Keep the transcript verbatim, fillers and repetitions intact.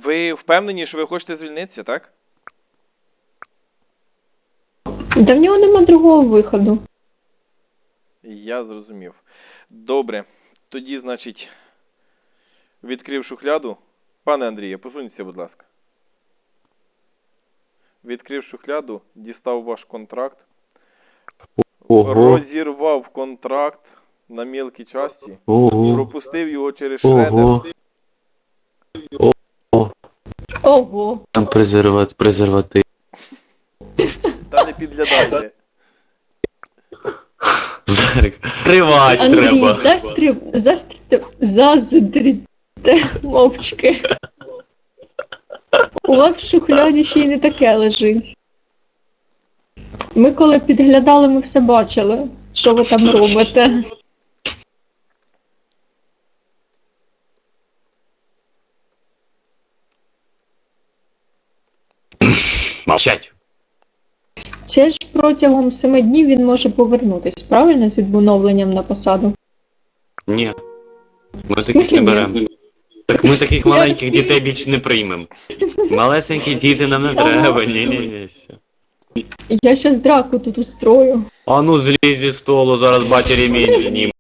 Ви впевнені, що ви хочете звільнитися, так? Да в нього нема другого виходу. Я зрозумів. Добре. Тоді, значить, відкрив шухляду. Пане Андріє, посуньтеся, будь ласка. Відкрив шухляду, дістав ваш контракт. Ого. Розірвав контракт на мілкі часті. Ого. Пропустив його через шредер. Ого. Ого. Там презерват, презерватив. Та не підглядайте. Зарик. Тривать Андрій, треба. застрib... застрib... заздріте мовчки. У вас в шухляді ще й не таке лежить. Ми коли підглядали, ми все бачили, що ви там робите. Мовчать. Це ж протягом семи днів він може повернутись, правильно, з відновленням на посаду? Ні. Ми таких смислі не ні? беремо. Так ми таких маленьких дітей більше не приймемо. Малесенькі діти нам не треба. Ні-ні-ні. все. Я щас драку тут устрою. А ну злізь зі столу, зараз батя ремінь знім.